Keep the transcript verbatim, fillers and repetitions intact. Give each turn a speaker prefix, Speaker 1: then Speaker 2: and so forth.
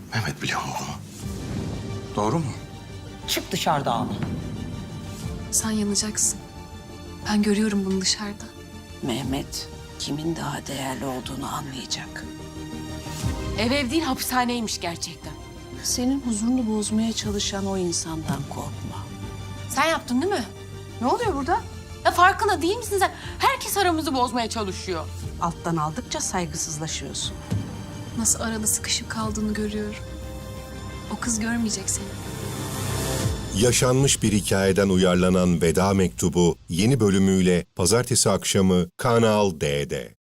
Speaker 1: Mehmet biliyor mu bunu? Doğru mu?
Speaker 2: Çık dışarıda ama.
Speaker 3: Sen yanacaksın. Ben görüyorum bunu dışarıda.
Speaker 4: Mehmet kimin daha değerli olduğunu anlayacak.
Speaker 5: Ev ev değil hapishaneymiş gerçekten.
Speaker 4: Senin huzurunu bozmaya çalışan o insandan korkma.
Speaker 5: Sen yaptın değil mi? Ne oluyor burada? Ya farkında değil misin sen? Herkes aramızı bozmaya çalışıyor.
Speaker 4: Alttan aldıkça saygısızlaşıyorsun.
Speaker 3: Nasıl arada sıkışıp kaldığını görüyorum. O kız görmeyecek seni.
Speaker 6: Yaşanmış bir hikayeden uyarlanan Veda Mektubu yeni bölümüyle pazartesi akşamı Kanal D'de.